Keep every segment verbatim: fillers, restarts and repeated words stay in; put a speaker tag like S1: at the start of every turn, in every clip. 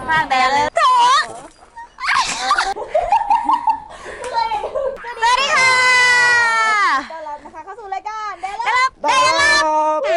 S1: ข้างๆแต่เลยโถสวัสดีค่ะ
S2: ต้อนรับนะคะเข้าสู่รายการเดลับ
S1: เดลับ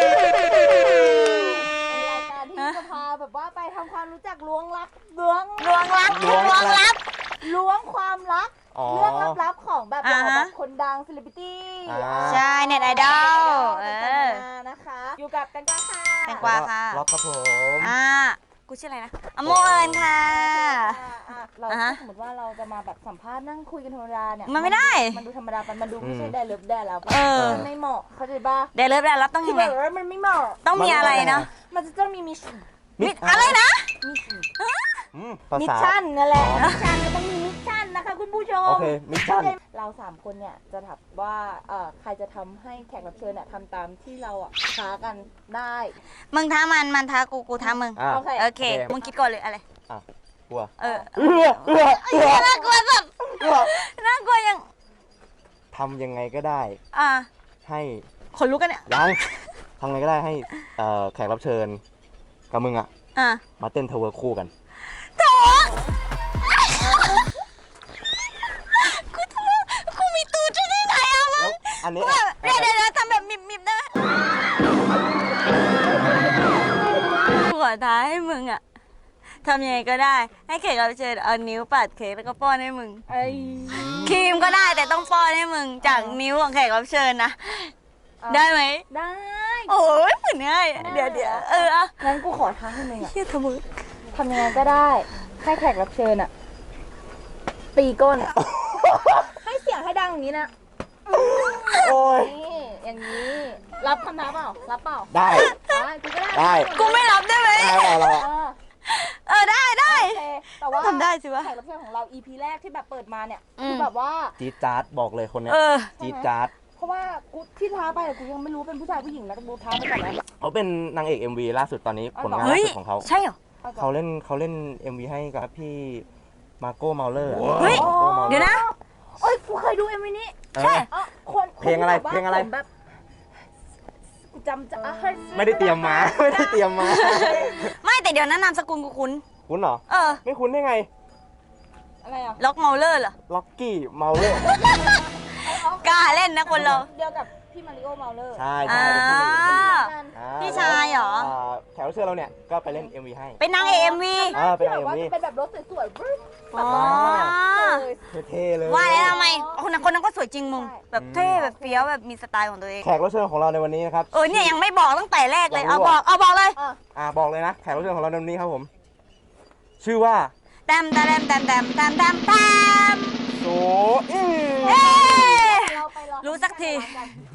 S2: รายการที่จะพาแบบว่าไปทำความรู้จักล้วงลับล้วง
S1: ล้วงลับล้วงลับ
S2: ล้วงความลับเรื่องลับๆของแบบเราแบบคนดังเซเลบริตี้
S1: ใช่เน็ตไอดอลเออ
S2: นะคะอยู่กับแตงกวาค่ะ
S1: แตงกวาค่ะ
S3: ล็อกครับผม
S1: อ่ากูชื่ออะไรนะอโมเอิญค่ะ
S2: เราสมมติว่าเราจะมาแบบสัมภาษณ์นั่งคุยกันธรรมดาเนี่ย
S1: มันไม่ได้
S2: มันดูธรรมดาไปมันดูไม่ใช่ได้เลิฟได้แล้วมันไม่เหมาะเขาใจป่ะ
S1: ได้เลิฟได้แล้วต้องยังไง
S2: มันไม่เหมาะ
S1: ต้องมีอะไรเนาะ
S2: มันจะต้องมีมิชชั่น
S1: อะไรนะ
S2: มิชชั่นนั่นแหละมิชชั่นก็ต้องมีมิชชั่นนะคะคุณผู้ชม
S3: โอเคมิชชั่น
S2: เราสามคนเนี่ยจะถามว่าใครจะทำให้แขกรับเชิญเนี่ยทำตามที่เราอ่ะท้ากันได้
S1: มึงท้ามันมันท้ากูกูท้ามึง
S2: โอเค
S1: โอเคมึงคิดก่อนเลยอะไร
S3: อ่ะกลัว
S1: เออ
S3: เออเออเออ
S1: น่ากลัวสัสน่ากลัวยัง
S3: ทำยังไงก็ได้
S1: อ่า
S3: ให้
S1: คนลุกกันเนี่ย
S3: ยังทำยังไงก็ได้ให้แขกรับเชิญกับมึงอ่ะมาเต้นทเวอร์คู่กัน
S1: โถกูทำกูมีตูดจะได้ไหนอะวะ
S3: อันนี้
S1: เดี๋ยวเดี๋ยวทำแบบมิบมิบได้กูขอท้าให้มึงอะทำยังไงก็ได้ให้แขกรับเชิญเอานิ้วปัดเค้กแล้วก็ป้อนให้มึงครีมก็ได้แต่ต้องป้อนให้มึงจากนิ้วของแขกรับเชิญนะได้ไหม
S2: ได้
S1: โอ้ยเหมือนง่ายเดี๋ยวเดี๋ยวเอออะ
S2: งั้นกูขอท้าให้มึงอะ
S1: เฮียทำมึง
S2: ทำยังไงก็ได้ให้แขกรับเชิญอะตีก้นให้เสียงให้ดังอย่างนี้นะ
S3: โอ้ย
S2: นี่อย่างนี้รับคำท้าเปล่ารับเปล่า
S3: ได้
S2: ได้กูก็ได้
S3: ได้
S1: กูไม่รับได้ไหม
S3: ได้เรา
S1: เออได้ได้
S2: แต่ว่า
S1: ทำได้สิวะ
S2: แขกรับเชิญของเรา อี พี แรกที่แบบเปิดมาเนี่ยคือแบบว่า
S3: จี๊ดจ๊าดบอกเลยคนเนี้ยจี๊ดจ๊าด
S2: เพราะว่ากูที่ท้าไปกูยังไม่รู้เป็นผู้ชายผู้หญิงนะกูท้าไปก่อนนะ
S3: เขาเป็นนางเอก เอ็ม วี ล่าสุดตอนนี้ผลงานล่าสุดของเขา
S1: ใช่เหรอ
S3: เขาเล่นเขาเล่น เอ็ม วี ให้กับพี่มาโก้เมาเลอร์
S1: เฮ้ยเดี๋ยวนะ
S2: โอ้ยกูเคยดู เอ็ม วี นี้
S1: ใช่
S2: คน
S3: เพลงอะไรเพลงอะไร
S2: แบบกูจำจะ
S3: ไม่ได้เตรียมมาไม่ได้เตรียมมา
S1: ไม่แต่เดี๋ยวนั้นนามสกุลกูคุ้น
S3: คุ้นเหรอ
S1: เออ
S3: ไม่คุ้นได้ไง
S2: อะไรอ่ะ
S1: ล็อกเมาเลอร์เหรอ
S3: ล็อกกี้เมาเลอร์
S1: กล้าเล่นนะคนเรา
S2: เดียวกับพี่มาริโอเมาเลอร์
S3: ใช่ใช่
S1: พี่ชายเหรอ
S3: แขกรับเชิญเราเนี่ยก็ไปเล่น เอ็ม วี ให้
S1: เป็นนางเอก เอ็ม วี
S3: อ่าเป็นนางเอก เอ็ม วี
S2: เป็นแบบรถสวยๆ
S3: อ๋อเท่เลย
S1: ว่าแล้วทำไมคนนั้นคนนั้นก็สวยจริงมึงแบบเท่แบบเฟี้ยวแบบมีสไตล์ของตัวเอง
S3: แขกรับเชิญของเราในวันนี้นะครับ
S1: เออเนี่ยยังไม่บอกตั้งแต่แรกเลยเอาบอกเอาบอกเลย
S3: อ่าบอกเลยนะแขกรับเชิญของเราในวันนี้ครับผมชื่อว่า
S1: แตมแตมแตมแตมแตมแตมแตม
S3: โซอี
S1: รู้สักที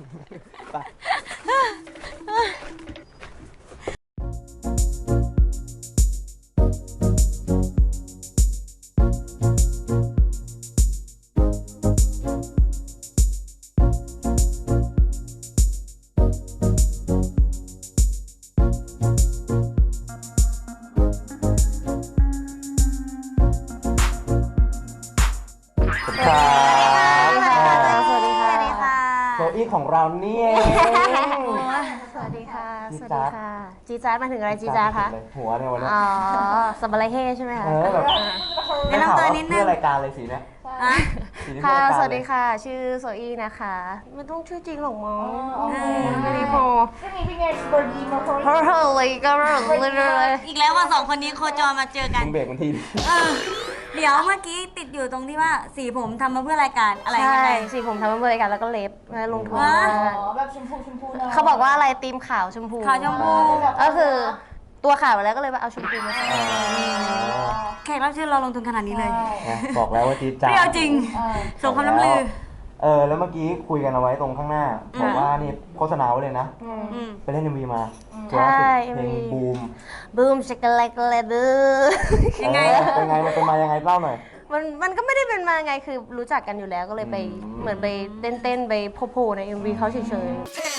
S3: โซอี้ของเราเนี่ย
S2: สวัสดีค่ะสวัสดีค่ะจีจ้ามาถึงอะไรจีจ้าคะ
S3: หัวเนี่ยวันนี้
S2: อ๋อสับอะไรเฮ่ใช่ไหมคะ
S3: เออแบบ
S1: แนะนำตัวนิดนึง
S3: รายการเลยสีเนี่ย
S2: ค่ะสวัสดีค่ะชื่อโซอี้นะคะไม่ต้องชื่อจริงหรอกมั้งไม่ได้พอเพราะเธอเลยก็เลย
S1: อีกแล้วว่าสองคนนี้โคจรมาเจอกัน
S3: เบรกมันที
S1: เดี๋ยวเมื่อกี้ติดอยู่ตรงที่ว่าสีผมทำมาเพื่อรายการอะไร
S2: ใช่สีผมทำมาเพื่อรายการแล้วก็เล็บลงทุนแบบชมพูชมพูเขาบอกว่าอะไรตีมขาวชมพู
S1: ขาวชมพู
S2: ก็คือตัวขาวแล้วก็เลยเอาชมพูมาใส่
S1: แขกรับเชิญเราลงทุนขนาดนี้เลย
S3: บอกแล้วว่าจี๊ดจ๊าด
S1: เปรี้ยวจริงส่งคำล้ำลือ
S3: เออแล้วเมื่อกี้คุยกันเอาไว้ตรงข้างหน้าบอกว่านี่โฆษณาไว้เลยนะไปเล่น เอ็ม วี มา
S2: ใช่
S3: เพลงบูม
S2: บูมช็อกโกแลตเลยดื้อ
S1: ยังไง
S3: เป็นไงมันเป็นมายังไงเล่าหน่อย
S2: มันมันก็ไม่ได้เป็นมาไงคือรู้จักกันอยู่แล้วก็เลยไปเหมือนไปเต้นเต้นไปโผล่ใน เอ็ม วี เขาเฉยๆคือ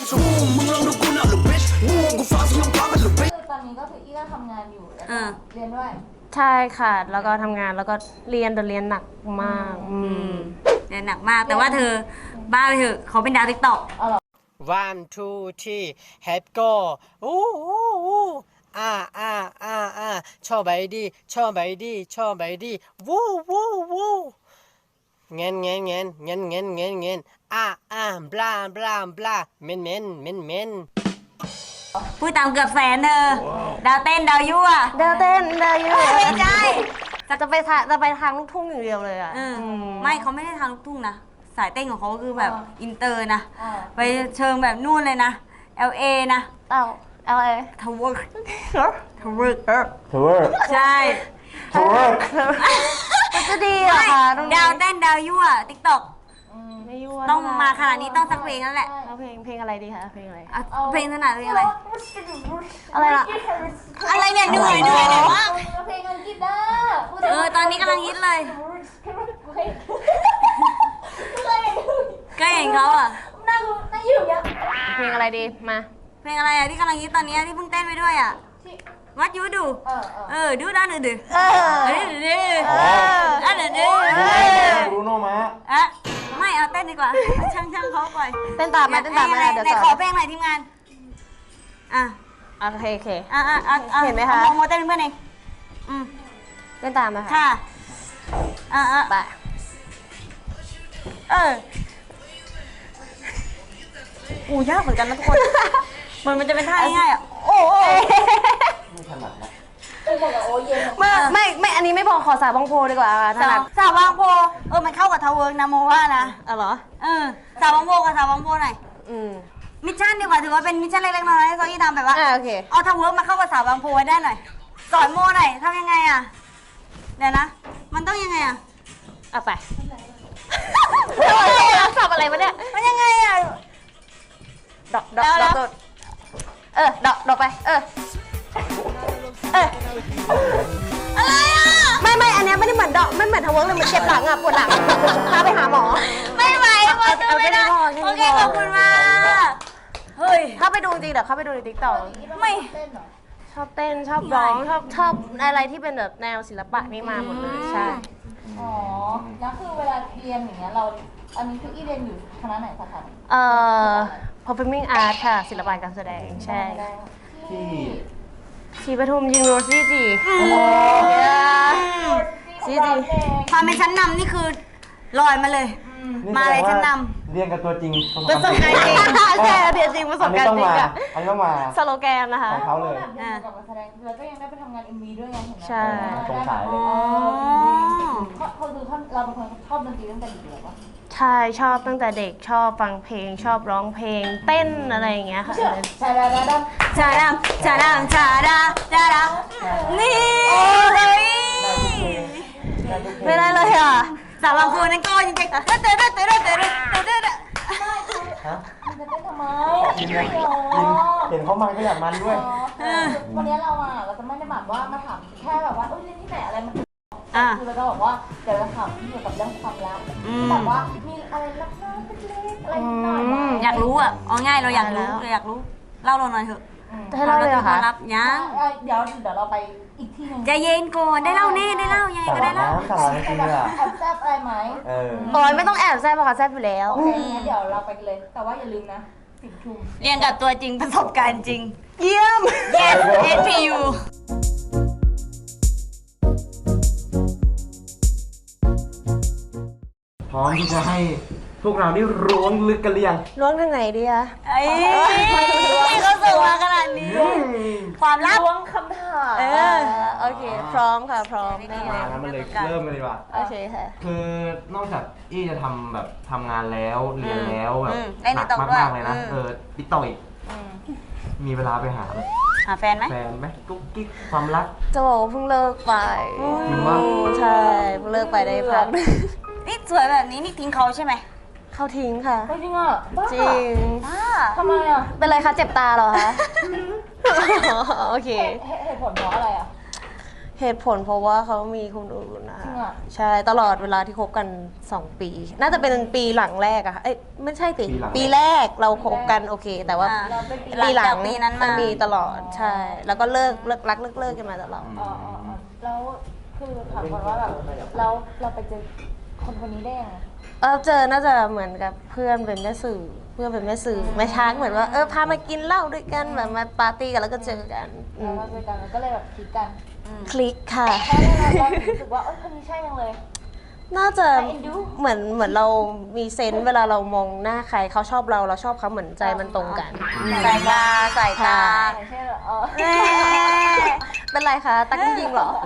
S2: ตอนนี้ก็คืออี้ก็ทำงานอยู่เรียนด้วยใช่ค่ะแล้วก็ทำงานแล้วก็เรียนแต่เรียนหนักมาก
S1: เรียนหนักมากแต่ว่าเธอบ้าไปเถอะเขาเป็นดาวติ๊กต็อก
S4: one two three head go อู้อู้อู้อ่าอ่าอ่าอ่าชอบไปดีชอบไปดีชอบไปดีวู้วู้วู้เงินเงินเงินเงินเงินเงินเงินอ่าอ่าบลาบลาบลาเมนเมนเมนเมน
S1: พูดตามเกือบแสนเธอดาวเต้นดาวยั่ว
S2: เดาวเต้นดาวยู
S1: ไม่ใช่
S2: จะไปทางจะไปทางลูกทุ่งอย่างเดียวเลยอ่ะ
S1: เออไม่เขาไม่ได้ทางลูกทุ่งนะสายเต้นของเขาคือแบบอินเตอร์นะไปเชิงแบบนู่นเลยนะ แอล เอ นะ
S2: เอ้า L A
S1: ทาวเวอร์ทาวเวอร์
S3: เทเวอร์
S1: ใช่
S3: เทเวอร์
S2: มันจะดีเหรอคะตรงนี้
S1: ดาวเต้นดาวยั่วติ๊กต็อก
S2: ไม่ยั่ว
S1: ต้องมาขนาดนี้ต้องสักเพลงแล้วแหละ
S2: เอาเพลงเพลงอะไรดีคะเพลงอะไร
S1: เอาเพลงถนัดเพลงอะไร
S2: อะไรล่ะ
S1: อะไรเนี่ยเหนื่อยเหนื่อยเหนื่อยมาก
S5: เพลงอังกฤษนะ
S1: เออตอนนี้กำลังฮิตเลย ก็เห็นเขาอ่ะ
S5: นั่งนั่งอยู่อย่างเงี้ย
S2: เพลงอะไรดีมา
S1: เพลงอะไรอ่ะที่กำลังฮิตตอนนี้ที่เพิ่งเต้นไปด้วยอ่ะ วัดยูดู
S5: เออเออ
S1: เออดูด้านอื่นดิ
S2: เออ
S1: เออดูดิอันอื่นดิ
S3: บรูโน่มา
S1: อ่ะไม่เอาเต้นดีกว่าช่างช่างเขาปล่อย
S2: เต้นตามมาเต้นตามมา
S1: ไหน
S2: เดี๋ยว
S1: ไหน
S2: สอน
S1: ขอเพลงหน่อยทีมงานอ่ะ
S2: โอเคโอเค
S1: อ่ะอ่ะอ่ะอ่ะ
S2: เห็นไหมคะ
S1: โมโมเต้นเป็นเพื่อนเองอืม
S2: เต้นตามมาค่ะ
S1: ค่ะอ่ะอ่ะ
S2: ไป
S1: เอออู้ยากเหมือนกันนะทุกคน มันมันจะเป็นท่าง่ายๆอ่ะโอ้โห
S3: ไม่ถนัดนะ
S5: คือบอกกับโอเย็น
S2: ไม่ไม่ไม่อันนี้ไม่พอขอสาวบางโพดีกว่าถ
S1: สา
S2: นั
S1: ว
S2: ด
S1: สาวบางโพเออมันเข้ากับทาวเวิร์กนะโมว่านะ
S2: อ๋อเหรอ
S1: เออสาวบางโพกับสาวบางโพหน่อย
S2: อืม
S1: มิชชั่นดีกว่าถือว่าเป็นมิชชั่นเล็กๆน้อยๆให้โซอี้ทำแบบว่า
S2: อ่าโอเค
S1: เอาทาวเวิร์กมาเข้ากับสาวบางโพไว้ได้หน่อยสอนโมหน่อยทำยังไงอ่ะเดี๋ยวนะ มันต้องยังไงอ่ะ
S2: เอาไปสับอะไรวะเนี่ย
S1: มันยังไงอ่ะ
S2: ดอกดอกดอกดอกเออดอกดอกไป เออ เออ
S1: อะไรอ่ะ
S2: ไม่ไม่อันเนี้ยไม่ได้เหมือนดอกไม่เหมือนทาวเวิร์กเลยเหมือนเจ็บหลังอ่ะปวดหลังพาไปหาหมอ
S1: ไม่ไหวพอจะไม่ได้
S2: เอาแค่นี้พอ
S1: โอเคขอบคุณมากเฮ้ย
S2: ถ้าไปดูจริงเดี๋ยวเข้าไปดูในติ๊กต็อก
S1: ไม่
S5: เต้นเหรอ
S2: ชอบเต้นชอบร้องชอบชอบอะไรที่เป็นแบบแนวศิลปะนี่มาหมดเลยใช่
S5: อ๋อ แล้วคือเวลาเรียนอย่างเงี้ยเรา อันนี้คืออีเรียนอยู่คณะไหนสาขาไหน
S2: เอ่อ performing art ค่ะ ศิลปะการแสดงใช่
S3: ที่
S2: ชีปทุมยิงโรซี่จีซีจี
S1: ความเป็นชั้นนำนี่คือลอยมาเลย มาเลยชั้นน
S3: เรียนกับตัวจริง
S2: ประสบการณ์จริงใช่เดี๋ยวจริงประสบการณ์จริงอะ
S3: อันนี้ต้องมา
S2: สโลแกนนะคะ
S3: ของเขาเลย
S5: แบบเรียนกับการแสดงแล้วก็ยังได้ไปทำงาน เอ็ม วี ด้วยไงเห็นไหม
S2: ใช่
S3: สงสัยเลย
S1: ำอ๋อ
S5: เขาเขาดูท่านเราเป็นคนชอบดนตรีตั้งแต่เด็กเลยปะ
S2: ใช่ชอบตั้งแต่เด็กชอบฟังเพลง ชอบร้องเพลง เต้นอะไรอย่างเงี้ยค่ะ
S5: ใช่แล้วแล้ว
S1: ชาดามชาดามชาดาชาดานี่เฮ้ย
S2: ไม่ได้เลยอ่ะ
S1: สาวบางคนนั่นก็จริงๆเต๋อเต๋อเต๋อเต๋อเต๋อเต๋อเต๋อ
S3: ฮะ
S5: มันจะเต้นทำไม
S3: กินไหมกินเห็นเขามันก็อยากมันด้วย
S5: วันนี้เราอ่ะเราจะไม่ได้แบบว่ามาถามแค่แบบว่าเอ้ยเรียนที่ไหนอะไรมัน
S1: อ่ะ
S5: คือเราก็บอกว่าเดี๋ยวเราถามเกี่ยวกับเรื่องความรักที่แบบว่ามีอะไรรักน้อยเล็กๆอะไรนิดหน่อยไหม
S1: อยากรู้อ่ะเอาง่ายเราอยากรู้เราอยากรู้ เล่าเราหน่อยเถอะ
S2: จะให้เล่าเลยเหรอ
S1: ควา
S2: คะ
S1: มลับยัง
S5: เอ้ยเดี๋ยวเดี๋ยวเราไปอีกที่หนึง
S1: ใจเย็นก่อนได้เล่าแน่ได้เล่ายังไงก็ได้เล่า
S3: น้ำสาระจริงเลยอ่ะ
S5: แอบแซบอะไรไหม
S3: เออ
S2: โอ้ยไม่ต้องแอบแซ่บเพราะเขาแซ่บอยู่แล้ว
S5: โอเคงั้นเดี๋ยวเราไปกันเลย แต่ว่าอย่าลืมนะสิบทุ่ม
S1: เรียนกับตัวจริงประสบการณ์จริง
S2: เยี่ยม
S1: yes เอส พี ยู
S3: พร้อมที่จะให้พวกเราได้ร้วงลึกกันหรือยัง
S2: ล้วงทางไหนดีอะ
S1: ไอ้เขาส่งมาขนาดนี้ ความลับ
S5: ล้วงคำถาม
S1: เออ
S2: โอเค พร้อมค่ะพร้อมแน่
S3: มางั้นมันเลยเริ่มกันดีกว่า
S2: โอเคค่ะ
S3: คือนอกจากอี้จะทำแบบทำงานแล้วเรียนแล้วแบบ
S1: อืมเล่น
S3: หนัก
S1: TikTok ด้วย
S3: มากๆเลยนะ
S1: อืม
S3: เออติ๊กต็อกอีกมีเวลาไปหาแบบ
S1: หาแฟนไหม
S3: แฟนไหมกุ๊กกิ๊กความรัก
S2: จะบอกว่าเพิ่งเลิกไป
S3: จริงปะ
S2: ใช่เพิ่งเลิกไปได้พัก
S1: นี่สวยแบบนี้นี่ทิ้งเขาใช่ไหม
S2: เขาทิ้งค่ะ
S5: ไม่จริงอ่ะบ้า
S2: จริง
S1: บ้า
S5: ทำไมอ่ะ
S2: เป็นไรคะเจ็บตาเหรอคะ โอเค
S5: เหตุเหตุผลเพราะอะไรอ่ะ
S2: เหตุผลเพราะว่าเขามีคนอื่นนะ
S5: จริ
S2: คะ
S5: งอะ
S2: ใช่ตลอดเวลาที่คบกันสองปี น่าจะเป็นปีหลังแรกอะค่ะเอ้ยไม่ใช่สิปีแรกเราคบกันโอเค แต่ว่า
S1: อ่า
S5: เราเป็นปี
S1: หลั
S2: ปี
S1: ง
S2: หลั
S1: จาง กปีนั้นมา
S2: มีตลอดใช่ แล้วก็เลิกเลิกรักเลิกเลิกกันมาตลอด
S5: อ๋ออ๋ออ๋อแล้วคือถามก่อนว่าแบบเราเราไปเจอคคนคนนี้ได้ยังไง
S2: เออเจอน่าจะเหมือนกับเพื่อนเป็นแม่สื่อเพื่อนเป็นแม่สื่อแม่ช้างเหมือนว่าเออพามากินเหล้าด้วยกันแบบมาปาร์ตี้กันแล้วก็เจอกันอื
S5: แล้ว
S2: ม
S5: มาเจอกันแล้วก็เลยแบบคิดกัน
S2: คลิกค่ะ
S5: เพราะเราเรารู้สึกว่าเออคนนี้ใช่ยังเลย
S2: น่าจะ
S5: น่าเอ็นดู
S2: เหมือนเหมือนเรามีเซนส์เวลาเรามองหน้าใครเขาชอบเราเราชอบเขาเหมือนใจมันตรงกัน
S1: สายตาสายตา
S5: ไม่ใช่เหรอเออ
S1: เอ้ย
S2: เป็นไรคะตักยิงเหรอ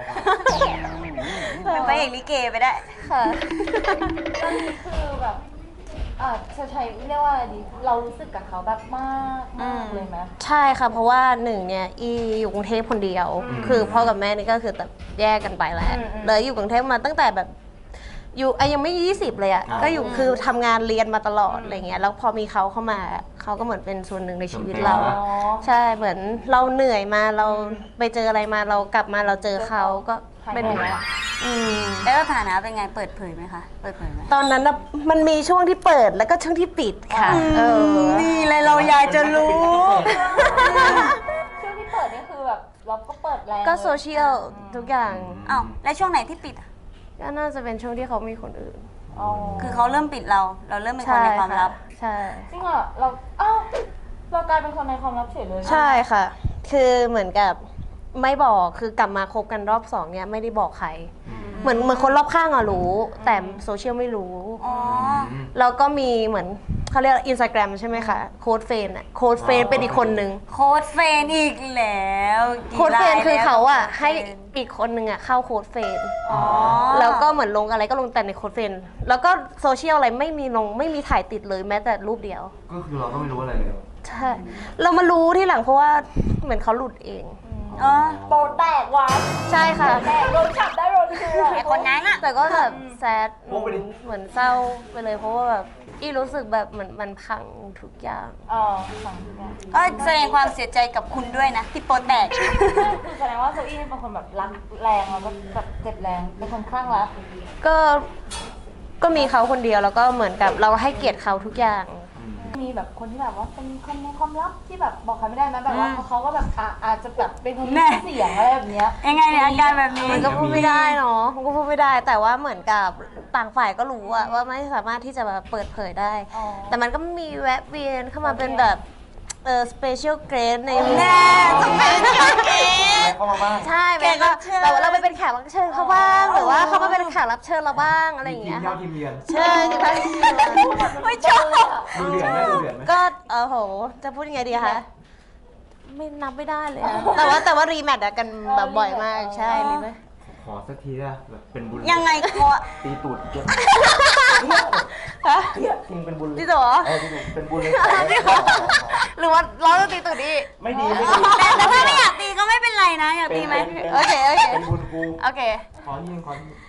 S1: เป็นพระเอกลิเกไปได้
S2: ค่ะ
S5: ตอนนี้คือแบบเออจะใช้เรียกว่าอะไรดี เรารู้สึกกับเขาแบบมากมากเลยไหม
S2: ใช่ค่ะเพราะว่าหนึ่งเนี่ยอีอยู่กรุงเทพคนเดียว คือพ่อกับแม่นี่ก็คือแต่แยกกันไปแล้ว
S5: อืมอืม
S2: เลยอยู่กรุงเทพมาตั้งแต่แบบอยู่ไอ้ยังไม่ยี่สิบเลยอ่ะ
S3: อ่า
S2: ก็อยู่คือทำงานเรียนมาตลอดอะไรเงี้ยแล้วพอมีเขาเข้ามาเขาก็เหมือนเป็นส่วนหนึ่งในชีวิตเรา
S5: อ๋อ
S2: ใช่เหมือนเราเหนื่อยมาเราไปเจออะไรมาเรากลับมาเราเจอเขาก็เป็น
S5: หายเหนื่อยละ
S2: อืม
S1: แล้วสถานะเป็นไงเปิดเผยไหมคะ เปิดเผยไหม
S2: ตอนนั้นน่ะมันมีช่วงที่เปิดแล้วก็ช่วงที่ปิดค่ะเออ
S1: นี่เลยเราอยากจะรู้
S5: ช่วงที่เปิดนี่คือแบบเราก็เปิดแรง
S2: ก็
S5: เลย
S2: โซเชียลทุกอย่าง
S1: อ้าวแล้วช่วงไหนที่ปิดอ่ะ
S2: ก็น่าจะเป็นช่วงที่เขามีคนอื่น
S5: อ๋อ
S1: คือเขาเริ่มปิดเรา เราเริ่มเป็นคนในความลับ
S2: ใช่
S5: จริงเหรอเราอ้าวเรากลายเป็นคนในความลับเฉยเลย
S2: ใช่ค่ะ คือเหมือนกับไม่บอกคือกลับมาคบกันรอบสองเนี่ยไม่ได้บอกใคร เหมือนเหมือนคนรอบข้างอะรู้ แต่โซเชียลไม่รู้
S1: อ๋อ
S2: แล้วก็มีเหมือนเขาเรียกอินสตาแกรมใช่ไหมคะโค้ดเฟนอะโค้ดเฟนเป็นอีกคนนึง
S1: โค้ดเฟนอีกแล้วกี่
S2: โค้ดเฟน
S1: รย
S2: คือเขาอะ
S1: แล้ว
S2: ให้อีกคนนึงอะเข้าโค้ดเฟน
S1: อ๋อ
S2: แล้วก็เหมือนลงอะไรก็ลงแต่ในโค้ดเฟนแล้วก็โซเชียลอะไรไม่มีลงไม่มีถ่ายติดเลยแม้แต่รูปเดียว
S3: ก็คือเราก็ไม่รู้อะไรเลย
S2: ใช่ เรามารู้ที่หลังเพราะว่าเหมือนเขาหลุดเอง
S1: อ๋อ
S5: โปรแตกว่ะ
S2: ใช่ค่ะ
S5: แตกโดนจับได้โดนเชื่อ
S1: ไอคนนั้นอะ
S2: แต่ก็แบบแซด
S3: โอ้ไปดิ
S2: เหมือนเศร้าไปเลยเพราะว่าแบบอีรู้สึกแบบเหมือนมันพังทุกอย่าง
S5: อ๋อฝั่งนี้นะ
S1: ก็แสดงความเสียใจกับคุณด้วยนะ ที่โปรแตก
S5: คือแสดงว่าโซอี้เป็นคนแบบรักแรงแล้วก็แบบเจ็บแรงเป็นคนคลั่งรัก
S2: ก็ก็มีเขาคนเดียวแล้วก็เหมือนกับเราให้เกียรติเขาทุกอย่าง
S5: มีแบบคนที่แบบว่าเป็นคนในความลับที่แบบบอกใครไม่ได้ไหมแบบว่าเขาก็แบบอ่ะอาจจะแบบเป็นคนมีชื่อเสียงอะไรแบบเนี้ย
S1: ยังไงเนี่ยอาการแบบนี้
S2: มันก็พูดไม่ได้เนาะมันก็พูดไม่ได้แต่ว่าเหมือนกับต่างฝ่ายก็รู้อะว่าไม่สามารถที่จะแบบเปิดเผยได้
S5: อ๋อ
S2: แต่มันก็มีแวะเวียนเข้ามาเป็นแบบเออสเปเชียลเกรดใน
S1: แน่สเปเชียลเกส
S3: เข้ามาบ้าง
S2: ใช่
S1: แขกรับเชิญ
S2: แต่ว่าเราไปเป็นแขกรับเชิญเขาบ้างหรือว่าเขามาเป็นแขกรับเชิญเราบ้างอะไรอย่าง
S3: ที
S2: เงี้
S3: ม
S2: ย
S3: เย้าทีมเยือน
S2: ใช่ค่ะ
S1: ไม่ชอบ
S3: ดูเดือดไหมดูเดือดไหม
S2: ก็เออโหจะพูดยังไงดีคะไม่นับไม่ได้เลยอะแต่ว่าแต่ว่ารีแมทกันแบบบ่อยมากใช่รีแมท
S3: ขอสักทีนะแบบเป็นบุญ
S1: ยังไงโค้ด
S3: ตีตูดเยอะ
S2: ฮะ
S3: เฮียจริงเป็นบุญเลย
S2: จริงเหรอ
S3: เออจริงเป็นบุญเลย
S2: หรือว่าเราจะตีตื่นดิ
S3: ไม่ดีไม่ดี
S1: แต่แต่ถ้าไม่อยากตีก็ไม่เป็นไรนะ อยากตีไหม
S3: เป็น
S2: โอเคโอเค
S3: เป็นบุญกู
S2: โอเค
S3: ขอยิงขอยิง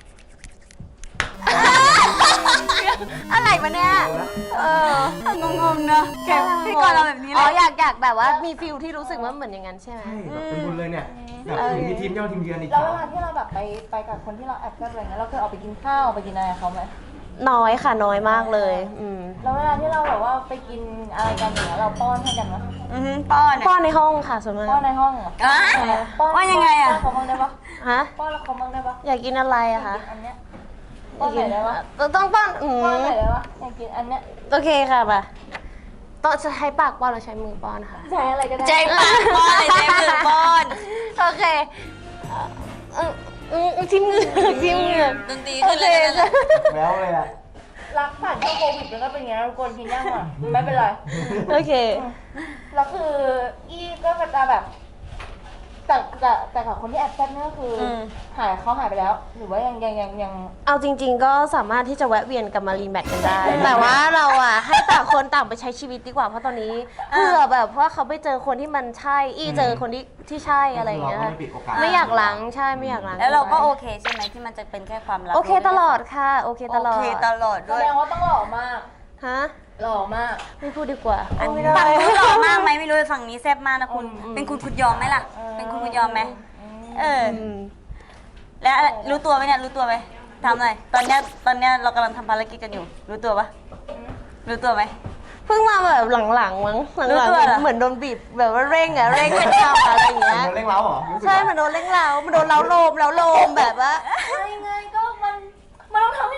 S2: อะไรมาเนี่ยเออง
S1: งๆเนอะแกพี่กรณ์เราแบบนี้เล
S2: อ๋อย อยากอยากแบบว่ามีฟิลที่รู้สึกว่าเหมือนอย่างนั้นใช่ไหม
S3: ใช่แบบเป็นบุญเลยเนี่ยแบบมีทีมเย้าทีมเยือนอีก
S5: แล้ว
S3: สา
S5: เว
S3: ม
S5: ลาที่เราแบบไปไปกับคนที่เราแอบชอบอะไรเงี้ยเราเคยออกไปกินข้าวไปกินอะไรกับเขาไหม
S2: น้อยค่ะน้อยมากเลยอืม
S5: แล้วเวลาที่เราแบบว่าไปกินอะไรกันอย่างเงี้ยเราป้อนให้กันไหม
S1: อือหือป้อน
S2: ป้อนในห้องค่ะส่วนมาก
S5: ป้อนในห้องเหรอ
S1: อ่ะ
S5: ป้อน
S1: ว่ายังไงอะ
S5: ป้อนเขาบ้างได้ปะ
S2: ฮะ
S5: ป้อนเขาบ้างได้ปะ
S2: อยากกินอะไรอะคะ
S5: อันเนี้ยป้อนไหนได้ปะ
S2: ต้องป้อนอื
S5: ป้อน
S2: ม
S5: ไหนได้ปะอยากกินอันเนี้ย
S2: โอเคค่ะมาต้องใช้ปากป้อนหรือใช้มือป้อนค่ะ
S5: ใช้อะไรก็ได้
S1: ใจปากป้อนใจมือป้อน
S2: โอเคเออเออทิมเหงือกทิมเหงือก
S1: ดนตรีขึ้นเลยนะ
S3: แล้วเลยอ่ะ
S5: รักผ่านช่วงโควิดมันก็เป็นอย่างเงี้ยทุกคนกินย่างอ่ะไม่เป็นไร
S2: โอเค
S5: แล้วคืออีก็จะแบบแต่แต่แต่กับคนที่แอบแซ่บเนี่ยก็คืออ
S2: ม
S5: หายเขาหายไปแล้ว หรือว่ายังยังยังยัง
S2: เอาจริง ๆ ก็สามารถที่จะแวะเวียนกลับมารีแมทกันได้ แต่ว่าเราอ่ะให้ต่างคนต่างไปใช้ชีวิตดีกว่าเพราะตอนนี้เพื่อแบบว่าเขาไปเจอคนที่มันใช่อีเจอคนที่ที่ใช่อะไรอย่างเงี้ย
S3: เราก็ไม่ปิดโอกาส
S2: ไม่อยากล้างใช่ไม่อยากล้าง
S1: แล้วเราก็โอเคใช่ไหมที่มันจะเป็นแค่ความลับ
S2: โอเคตลอดค่ะ โอเคตลอด
S1: โอเคตลอด
S5: แส
S1: ด้วย
S5: ดงว่าต้องหล่อมาก
S2: ฮะ
S5: หล่อมาก
S2: ไม่พูดดีกว่า
S1: อัน
S2: ไม่
S1: ฝั่ง
S2: ได้
S1: นู้นหล่อมากไหมไม่รู้ฝั่งนี้แซ่บมากนะคุณ
S2: อืม
S1: เป็นคุณคุณยอมไหมล่ะ เป็นคุณคุณยอมไหมเออ
S2: อืม
S1: แล้วรู้ตัวไหมเนี่ยรู้ตัวไหมทำหน่อยตอนเนี้ยตอนเนี้ยเรากำลังทำภารกิจกันอยู่ รู้ตัวปะรู้ตัวไหม
S2: เพิ่งมาแบบหลังๆมั้งห
S1: รู้
S2: ลัง
S1: ตัวเหรอ
S2: ๆเหมือนโดนบีบแบบว่าเร่งอะเร่งเป็นทำอะไรอย่างเงี้ย
S3: โดนเร่งเร้าเหรอรู้สึก
S2: ใช่
S3: เหรอ
S2: มันโดนเร่งเร้ามันโดนเล้าโลมเล้าโลมแบบว่า
S5: ไงไงก็มันมันต้องทำ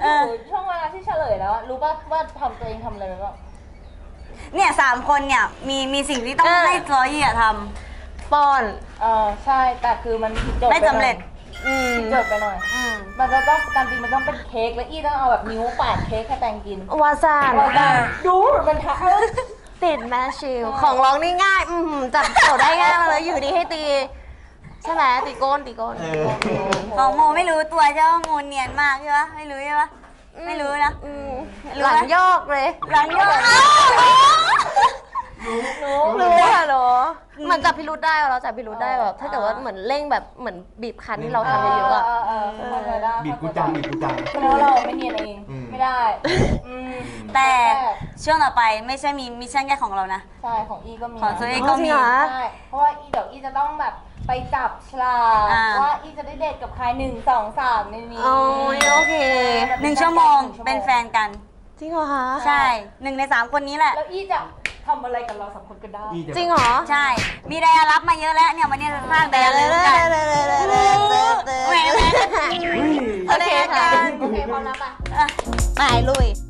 S5: ถึงช่วงเวลาที่เฉลยแล้วอะรู้ป่ะว่าทำตัวเองทำอะไรไปบ้าง
S1: เนี่ยสามคนเนี่ยมีมีสิ่งที่ต้อง
S2: เออ
S1: ให้ซอยี่อะท
S2: ป้อน
S5: เออใช่แต่คือมันผิดโจท
S1: ำ
S5: ย์
S1: ไม่สำเร็จ
S2: อืม
S5: ผิดโจทย์ไปหน่อย
S1: อืม
S5: มันจะต้องการจริงมันต้องเป็นเค้กแล้วอี้ต้องเอาแบบนิ้วปาดเค้กให้แตงกิน
S2: วาซาน
S5: ว่าได้ดูมันทำ
S2: ติดแมชชิลของร้องนี่ง่าย อืมจับโจทย์ได้ง่ายมากเลยอยู่ดีให้ตี ใช่ไหมตีโก้นตีโก้น
S3: เออ
S1: ของโมไม่รู้ตัวใช่ว่าโมเนียนมากใช่ปะไม่รู้ใช่ปะไม่รู้นะ
S2: อืม
S1: รู้
S2: ห
S1: ไหม
S2: ลังโยกเลย
S1: หลังยก
S2: รู้ค่ะหรอมันจับพิรุธได้เราจับพิรุธได้แบบถ้าเกิดว่าเหมือนเร่งแบบเหมือนบีบคันที่เราทำเยอะๆอะ
S5: เออเออเออเข้าใจได้
S3: บีบกูจังบีบกูจัง
S5: แสดงว่าเราไม่เนียนเอง
S3: อืม
S5: ไม่ได้อืม
S1: แต่ช่วงต่อไปไม่ใช่มีมิชชั่นแค่ของเรานะ
S5: ใช่ของอีก็มี
S1: ของตัวเอง
S2: อ๋
S1: ก็
S2: อจริ
S1: มี
S2: งเหรอ
S5: ใช่เพราะว่าอีเดี๋ยวอีจะต้องแบบไปจับฉลาก
S1: อ่า
S5: ว่าอีจะได้เดทกับใครหนึ่งสองสามในนี้
S2: โอ้ยโอเค
S1: หนึ่งชั่วโมงเป็นแฟนกัน
S2: จริงเหรอคะ
S1: ใช่หนึ่งในสามคนนี้แหละ
S5: แล้วอีจะทำอะไรกับเราสองคนก็ได้
S3: อีจะ
S2: จริงเหรอ
S1: ใช่ มีไดอารับมาเยอะแล้วเนี่ยวันนี้จะสร้างไดอารับกันแหมแหม
S2: โอเคค่ะ
S5: โอเคพร้อมแล้วปะ
S1: อ่ะ
S2: ไปลุย